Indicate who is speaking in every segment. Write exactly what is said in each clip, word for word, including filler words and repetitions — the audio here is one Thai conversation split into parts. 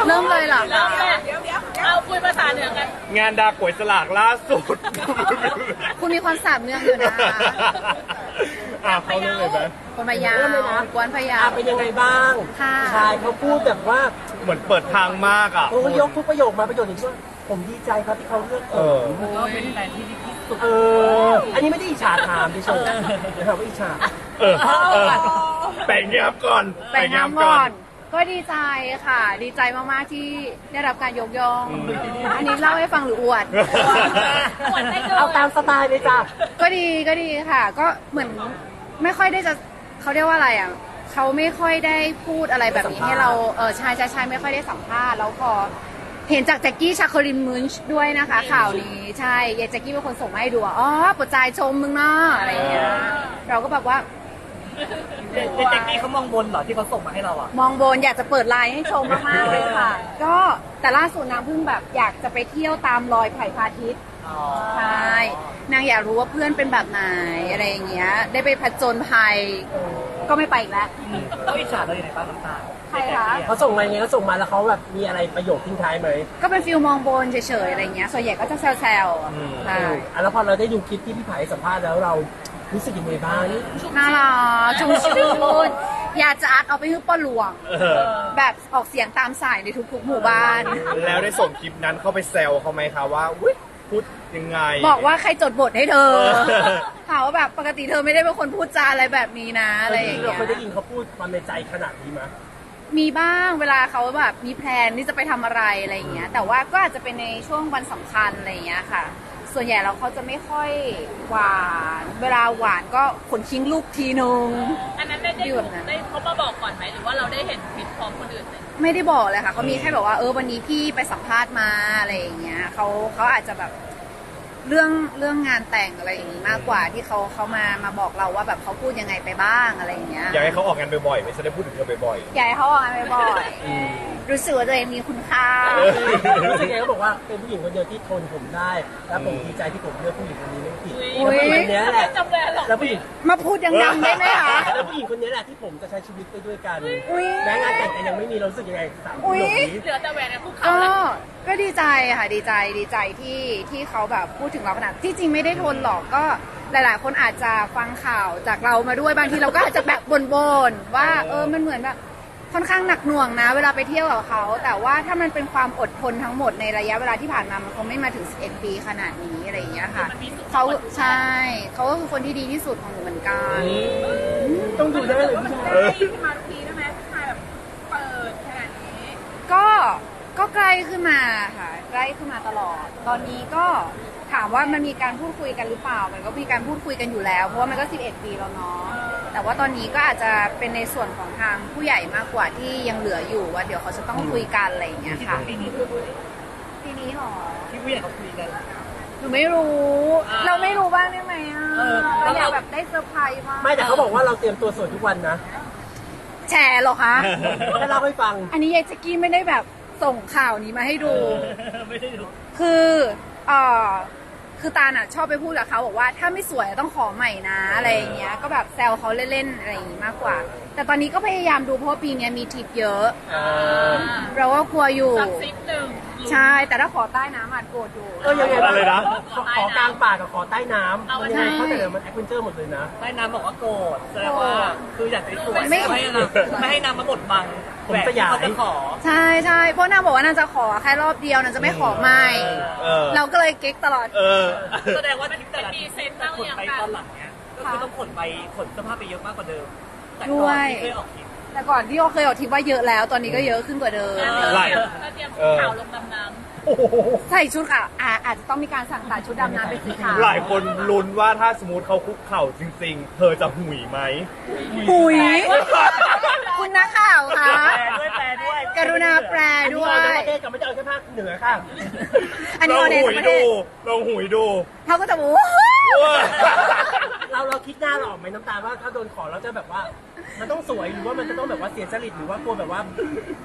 Speaker 1: เริ่มเลยเหรอ
Speaker 2: เริ่มเลยเดี๋ยวเดี๋ยวเอาคุยภาษาเหนือกัน
Speaker 3: งานดาก๋วยสลากล่าสุด
Speaker 1: คุณมีความสามเมืองอยู่นะ
Speaker 3: อ่ะเขาเรื่องเลยไหม
Speaker 1: คนพะเยา
Speaker 4: เริ่มเลยนะ
Speaker 1: กวนพะเยา
Speaker 4: อ่ะเป็นยังไงบ้าง
Speaker 1: ค่ะ
Speaker 4: ชายเขาพูดแบบว่า
Speaker 3: เหมือนเปิดทางมากอ่ะ
Speaker 4: โอ้ยกทุกประโยคมาประโยคนี้ว่าผมดีใจครับที่เขาเลือกผ
Speaker 3: เอ
Speaker 4: ม
Speaker 3: อ
Speaker 2: ก็เป็นแฟนที่ดีที่สุด
Speaker 4: เออ อันนี้ไม่ได้อิจฉาถามดิฉันนะครับว่าอิจฉา
Speaker 3: เออเออแบ่งเงียบก่อน
Speaker 1: ไปน้ำก่อน ก็ดีใจค่ะ ดีใจมากๆที่ได้รับการยกย่อง อันนี้เล่าให้ฟังหรืออวด
Speaker 2: หวนได้เลย
Speaker 4: เอาตามสไตล์เลยจ้ะ
Speaker 1: ก็ดีก็ดีค่ะ ก็เหมือนไม่ค่อยได้จะเขาเรียกว่าอะไรอ่ะเขาไม่ค่อยได้พูดอะไรแบบนี้ให้เราเออใช่ใช่ใช่ไม่ค่อยได้สัมภาษณ์แล้วพอเห็นจากแจ็คกี้ชาคลินมุนช์ด้วยนะคะข่าวนี้ใช่ยายแจ็คกี้เป็นคนส่งมาให้ดูอ่ะอ๋อปวดใจชมมึงเนาะอะไรอย่างเงี้ยเราก็แบบว่า
Speaker 5: เด็กๆนี่เขามองบนเหรอที่เขาส่งมาให้เราอ่ะ
Speaker 1: มองบนอยากจะเปิดไลน์ให้ชมมากๆเลยค่ะ ก็แต่ล่าสุดนางเพิ่งแบบอยากจะไปเที่ยวตามรอยไผ่พาทิตย์ใช่นางอยากรู้ว่าเพื่อนเป็นแบบไหนอะไรอย่างเงี้ยได้ไปผจญภัยก็ไม่ไปอีกแล้ว
Speaker 5: เขาอิจฉาเราอย่างไรบ้างน้ำตาล
Speaker 1: ใครคะ
Speaker 4: เขาส่งมาอย่างเงี้ยเขาส่งมาแล้วเขาแบบมีอะไรประโยคทิ้งท้ายไหม
Speaker 1: ก็เป็นฟิลมองบนเฉยๆอะไรเงี้ยส่วนใหญ่ก็จะแซวๆอ่ะใช่
Speaker 4: อ่ะแล้วพอเราได้ดูคลิปที่พี่ไผ่สัมภาษณ์แล้วเรารู้สึกยังไงบ้าง
Speaker 1: น่ารักชุ่มชื่นอยากจะอัดเอาไปให้ป้าหลวง
Speaker 3: เออ
Speaker 1: แบบออกเสียงตามสายในทุกๆหมู่บ้าน
Speaker 3: แล้วได้ส่งคลิปนั้นเข้าไปแซวเขาไหมคะว่าอุ๊ยพูดยังไง
Speaker 1: บอกว่าใครจดบทให้เธอ
Speaker 3: เออ
Speaker 1: ถามว่าแบบปกติเธอไม่ได้เป็นคนพูดจาอะไรแบบนี้นะอะไรอย่าง
Speaker 4: เรา
Speaker 1: เงี้ย
Speaker 4: เคยได้ยินเขาพูดความในใจขนาดนี้ไหม
Speaker 1: มีบ้างเวลาเขาแบบมีแพลนที่จะไปทำอะไรอะไรอย่างเงี้ยแต่ว่าก็อาจจะเป็นในช่วงวันสำคัญอะไรอย่างเงี้ยค่ะ ส่วนใหญ่แล้วเขาจะไม่ค่อยหวาน เวลาหวานก็ขนคิ้งลูกทีนึง
Speaker 2: อันนั้นได้ได้
Speaker 1: อยู่แบบนั้น
Speaker 2: ได้เขามาบอกก่อนไหมหรือว่าเราได้เห็นคลิปพร้อมคนอื่นเลย
Speaker 1: ไม่ได้บอกเลยค่ะเขามีแค่แบบว่าเออวันนี้พี่ไปสัมภาษณ์มาอะไรอย่างเงี้ยเขาเขาอาจจะแบบเรื่องเรื่องงานแต่งอะไรอย่างงี้มากกว่าที่เขาเขามามาบอกเราว่าแบบเขาพูดยังไงไปบ้างอะไรอย่างเงี้ย
Speaker 3: อยากให้เขาออกงานบ่อยๆไม่ใช่ได้พูดถึงเธอบ่อย
Speaker 1: อยากให้เขาออกงานบ่อยๆรู้สึกว่าตัวเองมีคุณค่า
Speaker 3: เออ
Speaker 4: รู้สึกไงเขาบอกว่าเป็นผู้หญิงคนเดียวที่ทนผมได้ และผมดีใจที่ผมเลือกผู้หญิงคนนี้ไม่ผิด
Speaker 1: อุ๊
Speaker 4: แล้ว
Speaker 1: ย
Speaker 4: ผู้หญิงคนนี้แหละ
Speaker 2: จำเลยหรอ
Speaker 4: แล้วผู้หญิง
Speaker 1: มาพูดดังๆได้ไหมคะ
Speaker 4: แล้วผู้หญิงคนนี้แหละที่ผมจะใช้ชีวิตไปด้วยกัน
Speaker 1: อุ๊ย
Speaker 4: แม้งานแต่งกันยังไม่มีเรารู้สึกยังไงสามป
Speaker 1: อุ๊
Speaker 4: ระ
Speaker 1: ย
Speaker 4: โยคนี้
Speaker 2: เหลือแต่แหวนในภูเขา
Speaker 1: ก็
Speaker 2: แล้ว
Speaker 1: ก็ดีใจค่ะดีใจดีใจที่ที่เขาแบบพูดถึงเราขนาดที่จริงไม่ได้ทนหรอกก็หลาย ๆ คนอาจจะฟังข่าวจากเรามาด้วยบางทีเราก็อาจจะแบบบ่นๆว่าเออมันเหมือนแบบค่อนข้างหนักหน่วงนะ เวลาไปเที่ยวกับเขาแต่ว่าถ้ามันเป็นความอดทนทั้งหมดในระยะเวลาที่ผ่านมามันคงไม่มาถึงสิบเอ็ดปีขนาดนี้อะไรอย่างเงี้ยค่ะเขาใช่เขาก็คือคนที่ดีที่สุดของหนูเหมือนกัน
Speaker 4: ต้องดูได้เลยผู้ชาย
Speaker 3: เออ
Speaker 2: ที่มาทุกทีได้ไหมผู้ชายแบบเปิดขนาดนี้
Speaker 1: ก็ก็ใกล้ขึ้นมาค่ะใกล้ขึ้นมาตลอด ตอนนี้ก็ถามว่ามันมีการพูดคุยกันหรือเปล่า มันก็มีการพูดคุยกันอยู่แล้ว เพราะว่ามันก็สิบเอ็ดปีแล้วเนาะแต่ว่าตอนนี้ก็อาจจะเป็นในส่วนของทางผู้ใหญ่มากกว่าที่ยังเหลืออยู่ว่าเดี๋ยวเขาจะต้องคุยกันอะไรอย่างเงี้ยค่ะ
Speaker 5: ปีนี้
Speaker 1: ปีนี้หรอ
Speaker 5: ที่ผู้ใหญ่เขาคุยกัน
Speaker 1: หนูไม่รู้ เราไม่รู้บ้างได้ไหมอ่ะ
Speaker 5: เออ
Speaker 1: เราอยากแบบได้เซอร์ไพรส์บ้าง
Speaker 4: ไม่แต่เขาบอกว่าเราเตรียมตัวสวยทุกวันนะ
Speaker 1: แชร์เหรอคะ
Speaker 4: ให้เล่าให้ฟัง
Speaker 1: อันนี้ยายแจ็กกี้ไม่ได้แบบส่งข่าวนี้มาให้ดู
Speaker 5: ไม่ได้ดู
Speaker 1: คือเอ่อคือตาลอ่ะชอบไปพูดกับเขาบอกว่าถ้าไม่สวยต้องขอใหม่นะอะไรอย่างเงี้ย ก็แบบแซวเขาเล่นๆอะไรอย่างงี้มากกว่า แต่ตอนนี้ก็พยายามดูเพราะว่าปีนี้มีทริปเยอะ เราก็กลัวอยู่
Speaker 2: สักซิปหนึ่ง
Speaker 1: ใช่ แต่ถ้าขอใต้น้ำอาจโกรธอยู่
Speaker 4: เออยังไง
Speaker 3: อะไรนะ
Speaker 4: ขอขอกลางป่ากับขอใต้น้ำ
Speaker 2: เอา
Speaker 4: มัน
Speaker 2: ใช่
Speaker 4: ยังไงเขาแต่เดี๋ยวมันแอดเวนเจอร์หมดเลยนะ
Speaker 5: ใต้น้ำบอกว่าโกรธแสดงว่าคืออยากจะสวย
Speaker 1: ไม่
Speaker 5: ไม่ให้น้ำไม่ให้น้ำมาบดบัง
Speaker 4: ผม
Speaker 5: แหวน
Speaker 4: ส
Speaker 5: ที่
Speaker 4: ยาย
Speaker 5: เขาจะขอ
Speaker 1: ใช่ใช่เพราะนางบอกว่านางจะขอแค่รอบเดียวนางจะไม่ขอใหม่
Speaker 3: เออ
Speaker 1: เราก็เลยเก๊กตลอด
Speaker 3: เออ
Speaker 5: แสดงว่าทริปแต่ละท
Speaker 2: มี
Speaker 5: ริป
Speaker 2: เซ็นบ้าง
Speaker 5: ขน
Speaker 2: ยัง
Speaker 5: ไป
Speaker 2: คะ
Speaker 5: ตอนหลังเนี้ยก็คือต้องขนไปขนเสื้อผ้าไปเยอะมากกว่าเดิม แต่
Speaker 1: ด้
Speaker 5: ก่
Speaker 1: ว
Speaker 5: อน
Speaker 1: ย
Speaker 5: ที่เคยออกทริป
Speaker 1: แต่ก่อนที่เราเคยออกทริปว่าเยอะแล้ว ตอนนี้ก็เยอะขึ้นกว่าเดิม
Speaker 3: ไหล่
Speaker 2: ก็เตรียม
Speaker 3: เออ
Speaker 2: ข่าวลงดำน้
Speaker 1: ใส่ชุดค่ะอาอาจจะต้องมีการสั่งตัดชุดดำน้ำเป็นสีขาว
Speaker 3: หลายคนลุ้นว่าถ้าสมมติเขาคุกเข่าจริง ๆ เธอจะหุยไหม
Speaker 1: หุยคุณนักข่าวคะ
Speaker 5: แปลด้วยแปลด้วย
Speaker 1: กรุณาแปลด้วย
Speaker 4: อันนี้เอาในประเทศกับไม่ได้เอาแค่ภาคเหนือค่ะ
Speaker 1: อันนี้
Speaker 3: ล
Speaker 1: อ
Speaker 3: อ
Speaker 1: อง เดน
Speaker 3: หุย
Speaker 1: ประเท
Speaker 3: ดู
Speaker 1: ศ
Speaker 3: ลองหุยดู
Speaker 1: เขาก็จะบอก
Speaker 4: เราเราคิดหน้าเราออกไหมน้ำตาลว่าถ้าโดนขอเราจะแบบว่า มันต้องสวยหรือว่ามันจะต้องแบบว่าเสียจริตหรือว่ากลัวแบบว่า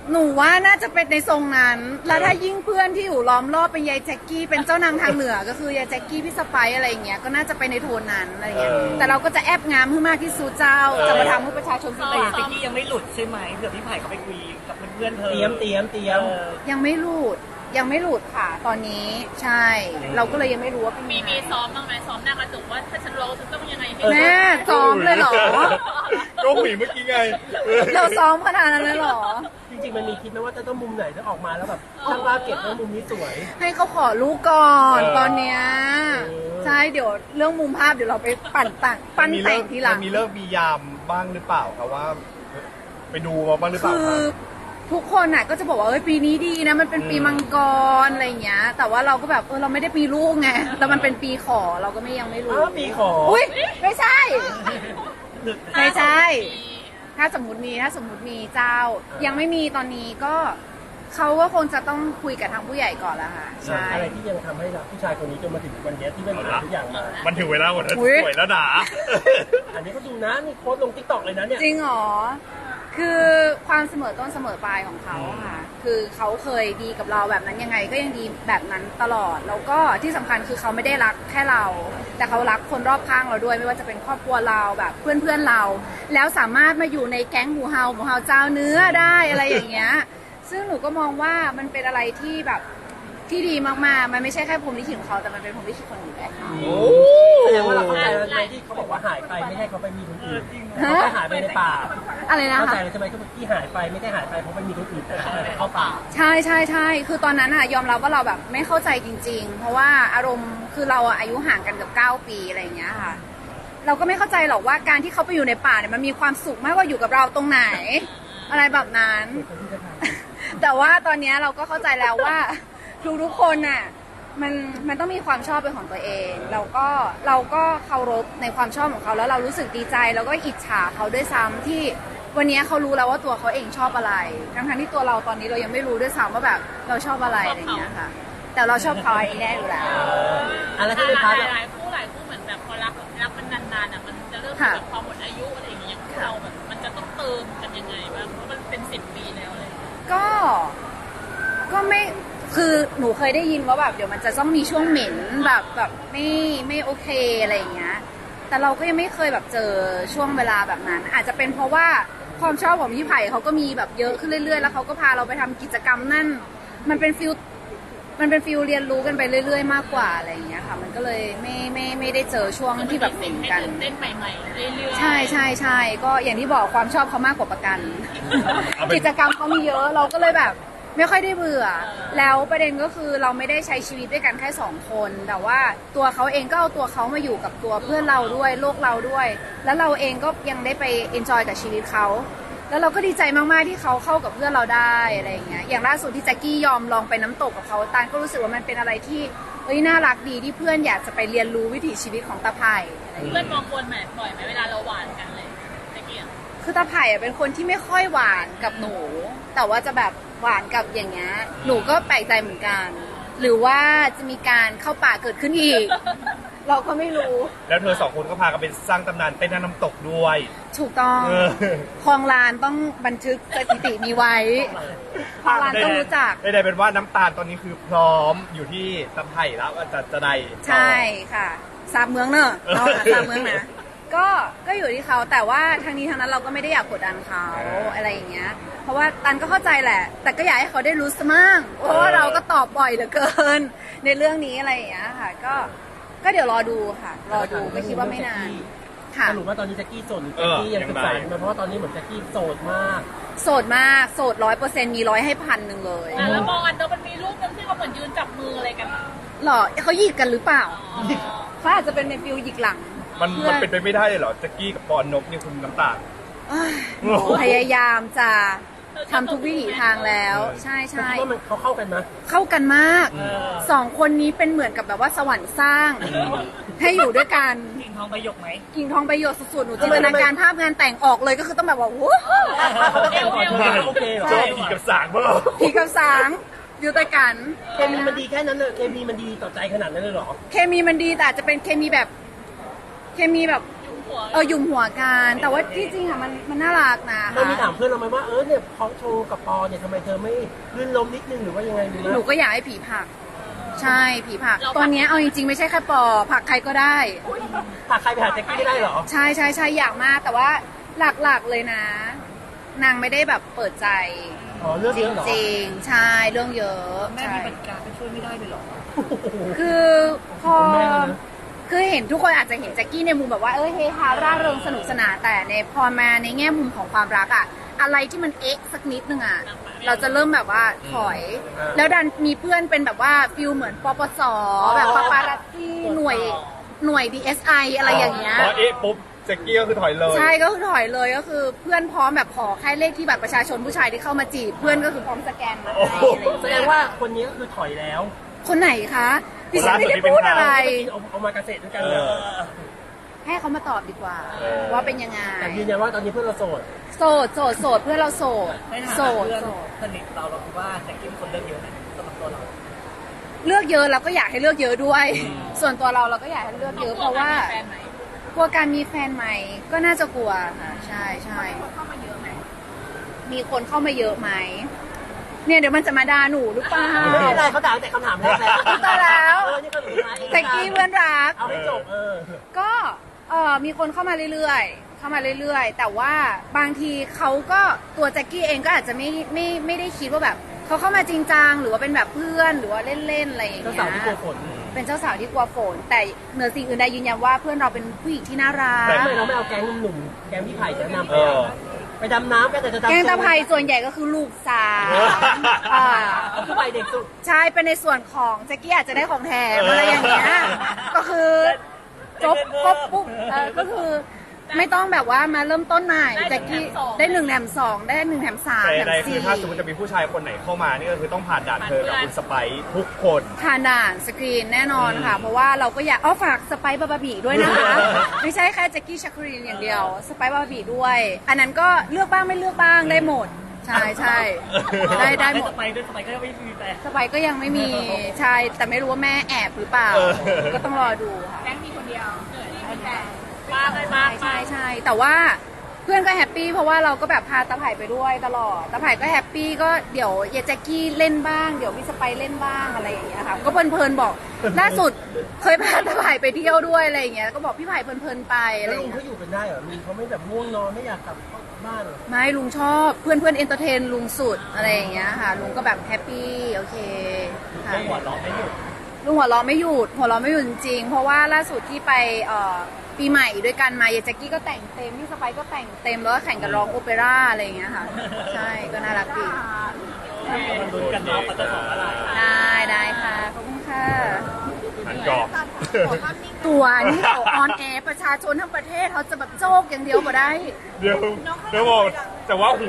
Speaker 1: หนูว่าน่าจะเป็นในทรงนั้น แล้วถ้ายิ่งเพื่อนที่อยู่ล้อมรอบเป็นยายแจ็คกี้เป็นเจ้านางทางเหนือก็คือยายแจ็คกี้พี่สไปซ์อะไรอย่างเงี้ยก็น่าจะไปในโทนนั้นอะไรเงี้ย
Speaker 3: เออ
Speaker 1: แต่เราก็จะแอบงามให้มากที่สุดเจ้า
Speaker 3: เออ
Speaker 1: จะมาทำให้ประชาชนส
Speaker 5: แต่
Speaker 1: บาย
Speaker 5: อย่างติ๊กกี้ยังไม่หลุดใช่ไหมเผื่อพี่ไผ่เขาไปคุยกับเพื่อนๆเธอ
Speaker 4: เตรียมเตรียมเตรียม
Speaker 5: เออ
Speaker 1: ยังไม่หลุดยังไม่หลุดค่ะ ตอนนี้ใช่ เราก็เลยยังไม่รู้ว่าเป็น
Speaker 2: มี
Speaker 1: ยังไง
Speaker 2: มีซ้อมบ้างไหมซ้อมหน้ากระจกว่าถ้าฉันร้องฉันต้องยังไงให้
Speaker 1: แม่ซ้อมเลยเหรอ
Speaker 3: ก็หุยเมื่อกี้ไง
Speaker 1: เราซ้อมขนาดนั้นเลยเหรอ
Speaker 4: จริงๆมันมีคิดไหมว่าจะต้องมุมไหนถ้าออกมาแล้วแบบช่างภาพเก็บแล้วมุมนี้สวย
Speaker 1: ให้เขาขอลูกก่อน
Speaker 3: เออ
Speaker 1: ตอนเนี้ย
Speaker 4: เออ
Speaker 1: ใช่เดี๋ยวเรื่องมุมภาพเดี๋ยวเราไปปั่นต่างปั้น
Speaker 3: มี
Speaker 1: แต่
Speaker 3: เลิ
Speaker 1: ง
Speaker 3: ก
Speaker 1: ทีหลัง
Speaker 3: มันมีเลิกมียามบ้างหรือเปล่าครับว่า ไปดูมาบ้างหรือเปล่า
Speaker 1: คือ
Speaker 3: ครับ
Speaker 1: ทุกคนน่ะก็จะบอกว่าเอ้ยปีนี้ดีนะมันเป็นปี
Speaker 3: อืม
Speaker 1: มังกรอะไรอย่างเงี้ย แต่ว่าเราก็แบบเออเราไม่ได้ปีลูกไงแต่มันเป็นปีขอเราก็ไม่ยังไม่รู้
Speaker 4: อ้าวปีขอ
Speaker 1: อุ้ยไม่ใช่
Speaker 5: หลุด
Speaker 1: ไม่ใช่ ถ้าสมมติมีถ้าสมมติมีเจ้า ยังไม่มีตอนนี้ก็เขาก็คงจะต้องคุยกับทางผู้ใหญ่ก่อนละค่ะใช่
Speaker 4: อะไรที่ยังทำให้เราผู้ชายคนนี้จนมาถึงวันนี้ที่มันผ่านทุกอย่างมา
Speaker 3: มันถึงเวลาหมดแล้ว
Speaker 1: อุ๊ย
Speaker 3: สวยแล้วด่า
Speaker 4: อันนี้ก็ดูนะนี่โค้ดลงทิกตอกเลยนะเนี่ย
Speaker 1: จริงเหรอ คือความเสมอต้นเสมอปลายของเขาอะค่ะ คือเขาเคยดีกับเราแบบนั้นยังไงก็ยังดีแบบนั้นตลอด แล้วก็ที่สำคัญคือเขาไม่ได้รักแค่เรา แต่เขารักคนรอบข้างเราด้วย ไม่ว่าจะเป็นครอบครัวเราแบบเพื่อนๆเรา แล้วสามารถมาอยู่ในแก๊งหมูเฮาหมูเฮาเจ้าเนื้อได้อะไรอย่างเงี้ย ซึ่งหนูก็มองว่ามันเป็นอะไรที่แบบที่ดีมากๆ มันไม่ใช่แค่พรหมลิขิตของเขา แต่มันเป็นพรหมลิขิตคนอื่นด้วย
Speaker 3: โอ้
Speaker 4: แสดงว่าเราเข้าใจแล้วใช่ไหมที่เขาบอกว่าหายไปไม่ใช่เขาไปมีคนอื่นเขาแค่หายไปในป่า
Speaker 1: อะไรนะ
Speaker 4: เข้า
Speaker 1: คะ
Speaker 4: ใจแล้วใช่ไหมที่หายไปไม่ได้หายไปเพราะไปมีคนอื่นแต่เขาไปเข้าป่า
Speaker 1: ใช่ใช่ใช่คือตอนนั้นอะยอมรับว่าเราแบบไม่เข้าใจจริง ๆ เพราะว่าอารมณ์คือเราอะอายุห่างกันเกับเก้าปีอะไรอย่างเงี้ยค่ะ เราก็ไม่เข้าใจหรอกว่าการที่เขาไปอยู่ในป่าเนี่ยมันมีความสุขมากกว่าอยู่กับเราตรงไหน อะไรแบบนั้น แต่ว่าตอนเนี้ยเราก็เข้าใจแล้วว่าทุกๆคนน่ะมันมันต้องมีความชอบเป็นของตัวเองเราก็เราก็เคารพในความชอบของเขาแล้วเรารู้สึกดีใจแล้วก็อิจฉาเขาด้วยซ้ำที่วันนี้เขารู้แล้วว่าตัวเขาเองชอบอะไรทั้งๆที่ตัวเราตอนนี้เรายังไม่รู้ด้วยซ้ำว่าแบบเราชอบอะไรอะไรอย่างเงี้ยค่ะ แต่เราชอบเขาอันนี้แน่อยู่แล้ว
Speaker 4: อะไรที่เป็นพาร์ท
Speaker 2: หลายๆคู่หลายคู่เหมือนแบบพอรักรักมันนานๆอ่ะมันจะเริ่มมีแบบความหมดอายุอะไรอย่างเงี้ยเราแบบมันจะต้องเติมกันยังไงบ้างเพราะมันเป็นสิบปีแล้วเลย
Speaker 1: ก็ก็ไม่คือหนูเคยได้ยินว่าแบบเดี๋ยวมันจะต้องมีช่วงเหม็นแบบแบบไม่ไม่โอเคอะไรอย่างเงี้ยแต่เราก็ยังไม่เคยแบบเจอช่วงเวลาแบบนั้น อาจจะเป็นเพราะว่าความชอบของพี่ไผ่เขาก็มีแบบเยอะขึ้นเรื่อยๆแล้วเขาก็พาเราไปทำกิจกรรมนั่นมันเป็นฟิลมันเป็นฟิลเรียนรู้กันไปเรื่อยๆ มากกว่าอะไรอย่างเงี้ยค่ะ มันก็เลยไม่ไม่ไม่ได้เจอช่วงที่แบบเหม็นกัน
Speaker 2: ให้ตื่นเต้นใหม่ๆเรื่อยๆ
Speaker 1: ใช่ใช่ใช่ก็อย่างที่บอกความชอบเขามากกว่าประกัน
Speaker 3: เอาเป็น
Speaker 1: กิจกรรมเขามีเยอะเราก็เลยแบบไม่ค่อยได้เบื่อ แล้วประเด็นก็คือเราไม่ได้ใช้ชีวิตด้วยกันแค่สองคน แต่ว่าตัวเขาเองก็เอาตัวเขามาอยู่กับตัวเพื่อนเราด้วยโลกเราด้วย แล้วเราเองก็ยังได้ไปเอนจอยกับชีวิตเขาแล้วเราก็ดีใจมากๆที่เขาเข้ากับเพื่อนเราได้อะไรอย่างเงี้ยอย่างล่าสุดที่แจ็คกี้ยอมลองไปน้ำตกกับเขาตานก็รู้สึกว่ามันเป็นอะไรที่เอ้ยน่ารักดีที่เพื่อนอยากจะไปเรียนรู้วิถีชีวิตของตาไผ่อะไรอย่างเงี้ย
Speaker 2: เพื่อนมองบนแหมบ่อยไหมเวลาเราหวานกันเลยตะเกียบ
Speaker 1: คือตาไผ่อะเป็นคนที่ไม่ค่อยหวานกับหนู แต่ว่าจะแบบหวานกับอย่างเงี้ยหนูก็แปลกใจเหมือนกัน หรือว่าจะมีการเข้าป่าเกิดขึ้นอีก เราก็ไม่รู้
Speaker 3: แล้วเธอสองคนก็พากันไปสร้างตำนานเต้นน้ำตกด้วย
Speaker 1: ถูกต้อง
Speaker 3: เออ
Speaker 1: คลองลานต้องบันทึกสถิติมีไว้คลองลานต้องรู้จัก
Speaker 3: ได้ๆเป็นว่าน้ำตาลตอนนี้คือพร้อมอยู่ที่ตะไผ่แล้วจะจะได้ต่อ
Speaker 1: ใช่ค่ะซาบเมืองเนอะเราหาซาบเมืองนะก็ก็อยู่ที่เขาแต่ว่าทางนี้ทางนั้นเราก็ไม่ได้อยากกดดันเขาอะไรอย่างเงี้ย เพราะว่าตันก็เข้าใจแหละ แต่ก็อยากให้เขาได้รู้สมั่งเพราะว่าเราก็ตอบบ่อยเหลือเกิน ในเรื่องนี้อะไรอย่างเงี้ยค่ะ ก็ก็เดี๋ยวรอดูค่ะ รอดูก็คิดว่าไม่นานค่ะ
Speaker 4: สรุปว่าตอนนี้แจ็คกี้โสดหรือแจ็คกี้ยังศึกษาอยู่ไหมเพราะว่าตอนนี้เหมือนแจ็คกี้โสดมาก
Speaker 1: โสดมากโสดร้อยเปอร์เซ็นต์มีร้อยให้พันหนึ่งเลย
Speaker 2: อ่ะแล้วมองอันเดอร์มันมีรูปนึงที่เขาเหมือนยืนจับมืออะไรกันอ่ะ
Speaker 1: หรอเขาหยิกกันหรือเปล่า
Speaker 2: อ๋อ
Speaker 1: เขาอาจจะเป็นในฟิลหยิกหลัง
Speaker 3: มันมันเป็นไปไม่ได้เลยเหรอแจ็คกี้กับปอนนกนี่คุณน้ำตาล
Speaker 1: เอ้ยพยายามจะทำทุกวิถีทางแล้ว ใช่
Speaker 4: แต่
Speaker 1: ใช่
Speaker 4: คิดว่ามันเขาเข้ากันไหม
Speaker 1: เข้ากันมาก
Speaker 5: เออ
Speaker 1: สองคนนี้เป็นเหมือนกับแบบว่าสวรรค์สร้าง ให้อยู่ด้วยกัน
Speaker 5: กิ่งทองประโยคไหม
Speaker 1: กิ่งทองประโยชน์สุดๆหนูจินตนาการภาพงานแต่งออกเลยก็คือต้องแบบว่าวู้
Speaker 4: เขาแต่งก่อนทุกอย่างโอเคเหรอ
Speaker 3: ชอบผีกับสางเปล่า
Speaker 1: ผีกับสางอยู่ด้วยกัน
Speaker 4: เคมีมันดีแค่นั้นเลยเคมีมันดีต่อใจขนาดนั้นเลยเหรอ
Speaker 1: เคมีมันดีแต่อาจจะเป็นเคมีแบบ เคมีแบบ
Speaker 2: หัว
Speaker 1: เออยุมหัวกันแต่ว่าที่จริงอ่ะมันมันน่ารักนะ
Speaker 4: เรามี
Speaker 1: คะ
Speaker 4: ถามเพื่อนเราไหมว่าเออเนี่ยพอโชว์กับปอเนี่ยทำไมเธอไม่ลื่นล้มนิดนึงหรือว่ายังไงดี
Speaker 1: หนู
Speaker 4: นะ
Speaker 1: ก็อยากให้ผีผลักใช่ผีผลักตอนเนี้ยเอาจริงๆไม่ใช่แค่ปอผลักใครก็ได้
Speaker 4: หากใครไปหาแจ็คกี้ไม่ได้เหรอ
Speaker 1: ใช่ใช่ใช่อยากมากแต่ว่าหลักๆเลยนะ นางไม่ได้แบบเปิดใจ
Speaker 4: อ๋อเรื่อง
Speaker 1: จ
Speaker 4: เยอะเหรอ
Speaker 1: ริงๆ ใช่เรื่องเยอะ
Speaker 5: แม่
Speaker 1: ใช่
Speaker 5: มีบริการไปช่วยไม่ได้เลยเหรอ
Speaker 1: คือพอ
Speaker 4: คุณแม่เลยนะ
Speaker 1: คือเห็นทุกคนอาจจะเห็นแจ็คกี้ในมุมแบบว่าเออเฮฮาร่าเริงสนุกสนานแต่ในพอมาในแง่มุมของความรักอะอะไรที่มันเอ๊ะสักนิดนึงอะเราจะเริ่มแบบว่าถอย แล้วดันมีเพื่อนเป็นแบบว่าฟิลเหมือนปปสแบบปาปารัตตี้หน่วยหน่วย ดี เอส ไอ อะไรอย่างเงี้ย
Speaker 3: พอเอ๊ะปุ๊บแจ็คกี้ก็คือถอยเลย
Speaker 1: ใช่ก็คือถอยเลยก็คือเพื่อนพร้อมแบบขอแค่เลขที่บัตรประชาชนผู้ชายที่เข้ามาจีบเพื่อนก็คือพร้อมสแกนมาให้อะไรอย่าง
Speaker 4: แส
Speaker 1: เงี้
Speaker 4: ด
Speaker 1: ย
Speaker 4: งว่าคนนี้ก็คือถอยแล้ว
Speaker 1: คนไหนคะดิฉันไม่ได้พูดอะไร
Speaker 4: เอาเอามาเกษตรด้วยกันเลย
Speaker 1: ให้เขามาตอบดีกว่า ว่าเป็นยังไง
Speaker 4: แต่ยืนยันว่าตอนนี้เพื่อนเราโสด
Speaker 1: โสดโสดโสดเพื่อนเราโสด
Speaker 5: ในฐา
Speaker 1: โส
Speaker 5: นะ
Speaker 1: ด
Speaker 5: เพื่อน
Speaker 1: โสด
Speaker 5: สนิทเราเราคิดว่าแจ็คกี้เป็นคนเลือกเยอะไหมสำหรับตัวเรา
Speaker 1: เลือกเยอะเราก็อยากให้เลือกเยอะด้วย ส่วนตัวเราเราก็อยากให้เลือกเยอะเพราะว่า
Speaker 2: แฟนไหม
Speaker 1: กลัวการมีแฟนใหม่ก็น่าจะกลัวค่ะใช่ใช่
Speaker 2: เข้ามาเยอะไหม
Speaker 1: มีคนเข้ามาเยอะไหมเนี่ยเดี๋ยวมันจะมาด่าหนูหรือเปล่า
Speaker 4: ไม่เป็นไรเขาด่าตั้งแต่คำถามแรกแล้ว
Speaker 1: ตายแล้ว
Speaker 4: เออนี่ก็สุดท้ายเอง
Speaker 1: แจ็คกี้เพื่อนรัก
Speaker 4: เอาให้จบเออ
Speaker 1: ก็เออมีคนเข้ามาเรื่อยๆ เข้ามาเรื่อยๆ แต่ว่าบางทีเขาก็ตัวแจ็คกี้เองก็อาจจะไม่ไม่ไม่ได้คิดว่าแบบเขาเข้ามาจริงจังหรือว่าเป็นแบบเพื่อนหรือว่าเล่นๆอะไรอย่าง
Speaker 4: เจ้า
Speaker 1: เงี้
Speaker 4: สาวย ที่กลัวฝน
Speaker 1: เป็นเจ้าสาวที่กลัวฝน แต่เหนือสิ่งอื่นใดยืนยันว่าเพื่อนเราเป็นผู้หญิงที่น่ารัก
Speaker 4: ทำไมเราไม่เอาแก๊งหนุ่มๆแก๊งพี่ไผ่จะนำไป
Speaker 3: เออ
Speaker 4: ไปดำน้ำกันแต่จะดำ
Speaker 1: แกงตะไคร้ส่วนใหญ่ก็คือลูกสาวอ่า
Speaker 4: เอาพี่ไผ่เด็กสุด
Speaker 1: ใช่เป็นในส่วนของแจ็คกี้อาจจะได้ของแถมอะไรอย่างเงี้ยก็คือจบครบปุ๊บเออก็คือไม่ต้องแบบว่ามาเริ่มต้นใหม่แจ็คกี้ได้หนึ่งแถมสองได้หนึ่งแถมสาม
Speaker 3: แต่
Speaker 1: แถม
Speaker 3: ใดๆคือ
Speaker 1: สี่
Speaker 3: ถ้าสมมติจะมีผู้ชายคนไหนเข้ามานี่ก็คือต้องผ่านด่านเธอกับคุณสไปซ์ทุกคน
Speaker 1: ผ่านด่านสกรีนแน่นอนค่ะ เพราะว่าเราก็อยากอ้อฝากสไปซ์บาบาบีด้วยนะคะ ไม่ใช่แค่แจ็คกี้ชักครีนอย่างเดียวสไปซ์บาบาบีด้วย อันนั้นก็เลือกบ้างไม่เลือกบ้างได้หมด ใช่ใช่ได้ได้หมด
Speaker 5: สไปด้วยสไปก็ยังไม่มีแต่
Speaker 1: สไปซ์ก็ยังไม่มีใช่แต่ไม่รู้ว่าแม่แอบหรือเปล่า
Speaker 3: เออ
Speaker 1: ก็ต้องรอดูค่ะ
Speaker 2: แก๊งมีคนเดียวเหนื่อยไม่แฟนบ้าไปบ้า
Speaker 1: ใช่ใช่ใช่แต่ว่าเพื่อนก็แฮปปี้เพราะว่าเราก็แบบพาตาไผ่ไปด้วยตลอดตาไผ่ก็แฮปปี้ก็เดี๋ยวเยายแจ็คกี้เล่นบ้างเดี๋ยวพี่สไปซ์เล่นบ้างอะไรอย่างเงี้ยค่ะก็เพลินๆบอกล่าสุดเคยพาตาไผ่ไปเที่ยวด้วยอะไรอย่างเงี้ยก็บอกพี่ไผ่เพลินๆไปอะไร
Speaker 4: แล้ว
Speaker 1: อ
Speaker 4: ลุ
Speaker 1: ย่าง ง
Speaker 4: เขา
Speaker 1: เงี้ย
Speaker 4: อยู่กันได้เหรอลุงเขาไม่แบบง่วงนอนไม่อยากกลับบ้านเหรอ
Speaker 1: ไม่ลุงชอบเพื่อนเพื่อนเอนเตอร์เทนลุงสุดอะไรอย่างเงี้ยค่ะลุงก็แบบแฮปปี้โอเคค่ะ
Speaker 5: หัวเราะไม่หยุด
Speaker 1: ลุงหัวเราะไม่หยุดหัวเราะไม่หยุดจริงๆเพราะว่าล่าสุดที่ไปเอ่อปีใหม่ด้วยกันมาเยายแจ็คกี้ก็แต่งเต็มพี่สไปซ์ก็แต่งเต็มแล้วก็แข่งกันร้องโอเปร่าอะไรอย่างเงี้ยค่ะใช่ก็น่ารักดี
Speaker 5: มันลุ้นกันเนาะเขาจะสอนอะไร
Speaker 1: ได้ได้ค่ะ ขอบคุณค่ะ
Speaker 3: หันกรอบ
Speaker 1: ตัวนี่เขาออนแอร์ประชาชนทั้งประเทศเขาจะแบบโจกอย่างเดียวก็ได้
Speaker 3: เดี๋ยวเดี๋ยวบอกแต่ว่า